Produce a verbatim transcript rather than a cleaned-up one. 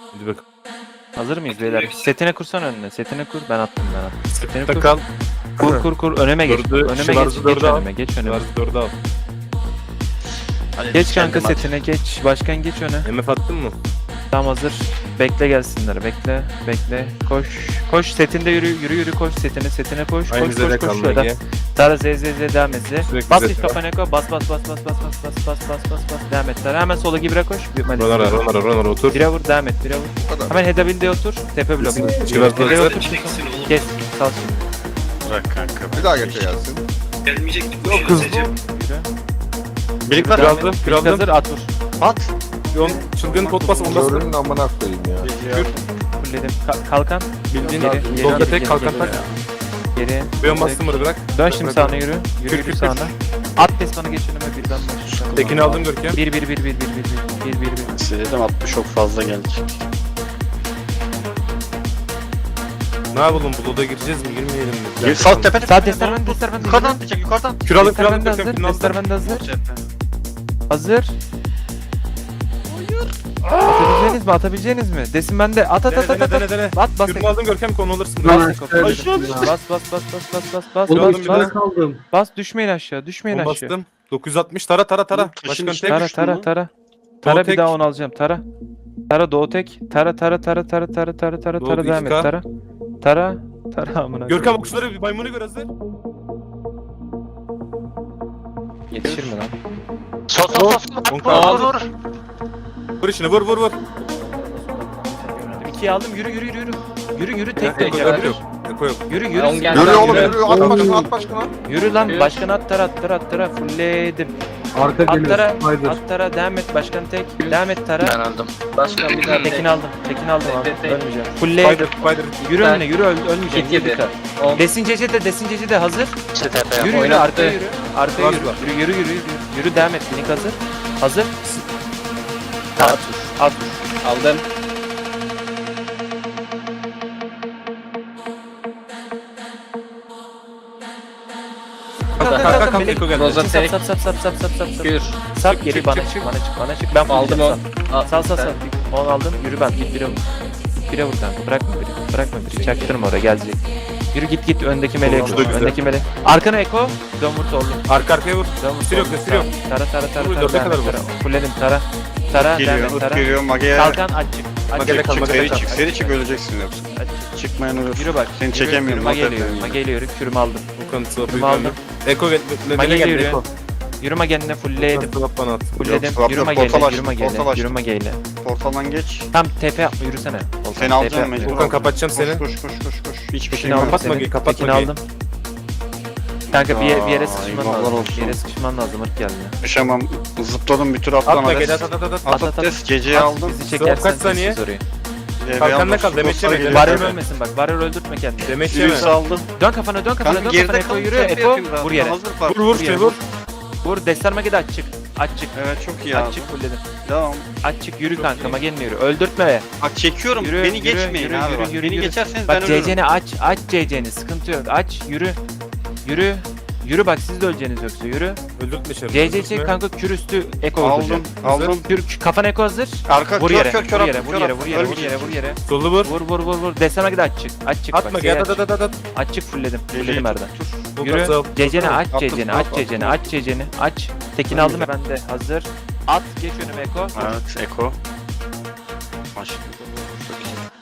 Hadi bak. Hazır mıyız beyler? Setine kursan önüne. Setine kur. Ben attım ben attım. Setine kur. Takal. Kur kur kur. Önüme geç. Dördü, Önüme Şıvarzı geç. dördü Geç al. önüme. Geç önüme. Şıvarzı dördü al. Hadi Geç kanka kendim at. setine geç. Başkan geç öne. M F attın mı? Tam hazır. Bekle gelsinler. Bekle. Bekle. Koş. Koş. Setinde yürü. Yürü yürü koş. Setine setine koş. Aynı Koş zede koş koş. kaldı Şöyle. Ege. Tara Z Z Z devam et Z. Sürekli Bas Z. hiç kafana koy. Bas bas bas bas bas bas bas bas bas bas bas. Devam et. Tara hemen sola Gibra koş. Ronara, Ronara, Ronara otur. Bire vur. Devam et. Bire vur. Hemen Hedabil'de otur. Tepe blok. Şıvarzı Tepeye dördü. otur. Kes. Sal şimdi. Bırak kanka. Bir daha geçe gelsin. Gelmeyecek bu Yok hızlı. Yürü. Birlik var. Kür aldım, kür Hazır aldım. at vur. At. Yon çılgın pot bas onu bas. Körünün amına koyayım ya. Kür. Fulledim. Ka- kalkan. Bildiğin Geri, geri, solda geri, tek geri, kalkan geri. tak. Geri. Beyon bastım bunu bırak. Dön şimdi sağına yürü. Yürü Kür, yürü kür, kür. sağına. At pes bana geç önüme birden başlayacağım. Tekini aldım Görkem. Bir bir bir bir bir bir bir bir bir bir. Size dedim altmış çok fazla gelecek. Ne yapalım bu loda gireceğiz mi girmeyelim mi? Gel sağ tepe tepe. Sağ testler bende testler bende. Yukarıdan atlayacak yukarıdan. Kür aldım kür Testler aldım bende Görkem. hazır. Kürünü aldım. Testler bende hazır. Hazır. Atabileceğiniz mi? Atabileceğiniz mi? Desin bende. At at Dene at at dene at. dene dene. Bas bas. Kürünü aldım Görkem konu alırsın. Bas Bas. bas bas bas bas bas bas bas Oğlum, bas üstüne bas kaldım. bas düşmeyin aşağı düşmeyin Onu aşağı. bastım. dokuz yüz altmış tara tara tara. Oğlum, taşın Başkan içine tek. Tara düştün tara lan. tara. Tara bir tek. daha onu alacağım. Tara. Tara doğu tek. Tara tara tara tara tara tara tara Doğu tara devam et. iki K. Tara. Tara. Tara amına. Görkem okçuları bir maymunu gör hazır. Yetişir mi lan? Sol sol sol. On Vur K. vur vur. Vur işini vur vur vur. İkiye aldım. Yürü yürü yürü. Yürü yürü tek Eko tek. yok yok. Eko yok. Yürü yürü. On gel. Yürü oğlum Yürü. yürü. At başkana at başkana. Yürü lan. Yürü. Başkan at tara at tara at tara. Fullledim. Arka At geliyor. tara. Spider. At tara. Devam et. Başkan tek. Devam et tara. Ben aldım. Başkan bir daha Tekin aldım. Tekin aldım abi. Tek, tek. Ölmeyeceğim. Fullledim. Spider Spider. Yürü Ben- önüne yürü öl ölmeyeceğim. Git yedi. Yürü. On. Desin Cece de desin Cece de hazır. İşte tepe. Yürü yürü Oynattı. arkaya yürü. Arkaya yürü. Fazla. Yürü yürü yürü yürü. Yürü devam et. Link hazır. Hazır. At. At. Aldım. Kalk kalk kalk, kalk. kalk, Melek. Eko geldi. Sap Roza sap tek. sap sap sap sap sap sap sap. Gür. Sap Çık, geri çık, bana çık, çık çık. bana çık bana çık. Ben Aldım aldım on. Al, Sal sal sal. sen. On aldım. Yürü ben. Git bire vur. Bire vur kanka. Bırakma biri. Bırakma biri. Çaktırma oraya gelecek. Yürü git git öndeki meleğe Oldu, koş. güzel. Öndeki meleğe. Arkana Eko. Dön vur sollu. Arka arkaya vur. Dön vur Sür yok, sollu. sür yok. Tara tara tara Vur, tara. dörde devam kadar et, vur. tara. Fulledim tara. Tara devam et tara. geliyor Mage'ye. Kalkan aç çık. Aç Magele çık. kal, çık, magele çık, kal. çık, Seri çık öleceksin yoksa. aç çık. Çıkmayan ölür. Yürü bak. Seni yürü, çekemiyorum, Yürüme affet geliyor. beni. Mage geliyor. Kürümü aldım. Okan sıvap Kürümü aldım. Eko gel. Mage Nedene geliyor. geldi Eko. Yürüme geline fullledim. Okan sıvap bana at. Fullledim. swap Yürüme yok, portal geyle. açtım, Yürüme geyle. portal açtım. Yürüme geyle. Portaldan geç. Tam tepe yapma yürüsene. Volkan, Seni tepe alacağım yapma, mecbur. yürü. Okan kapatacağım Koş seni. koş koş koş koş. Hiçbir Tekini şey aldım yok. Kapatma seni. Mage, kapatma Tekini Mage'yi. aldım. Kanka bir, yer- bir yere Aa, sıkışman eyvallah lazım. olsun. Bir yere sıkışman lazım. Irk geldi. Düşemem. Zıpladım bir tur atlan Atma gel Ades. at at at at. At at, at des. Geceyi At, aldım. Bizi Swap çekersen kaç saniye? sessiz orayı. Kalkanla kal, demeç yeme, demeç Barrel yeme. ölmesin bak. Barrel öldürtme kendini. Demeç yeme. Yürüyüş aldım. Dön kafana dön kafana Kanka dön geride kafana. Eko kal. yürü. Tepe Eko yapayım daha. vur yere. Hazır var. Vur vur Vur şey yere. vur. Vur. Destarma gidi aç çık. Aç çık. Evet çok iyi Aç abi. çık fulledim. Devam. Aç çık yürü Çok kanka. iyi. Magenle yürü. Öldürtme. Bak çekiyorum. Yürü, Beni yürü, geçmeyin yürü, abi. yürü, bak. yürü, Beni yürü. geçerseniz ben Bak ölürüm. C C'ni aç. Aç C C'ni. Sıkıntı yok. Aç. Yürü. Yürü. Yürü bak siz de öleceğiniz yoksa yürü. Öldürtme şey. C C çek kanka kür üstü Eko Aldım. vuracak. Aldım. Kür kafana Eko hazır. Arka Vur kör yere. kör kör Vur yere. attım, Vur kör yere. attım. Vur yere. Vur Ölmeyecek. yere. Vur yere. Solu vur. Vur vur vur vur. Desene gidi aç çık. Aç çık Atma bak. gel Seyir at aç. at at at. Aç çık fulledim. Gece Fulledim tut, Erdem. dur. Yürü. Okan C C'ni aç Attım, C C'ni. attım, Aç C C'ni. attım. Aç C C'ni. Aç. Tekini aldım ben de. Hazır. At geç önüme Eko. Evet Eko. Maç. Çok iyi.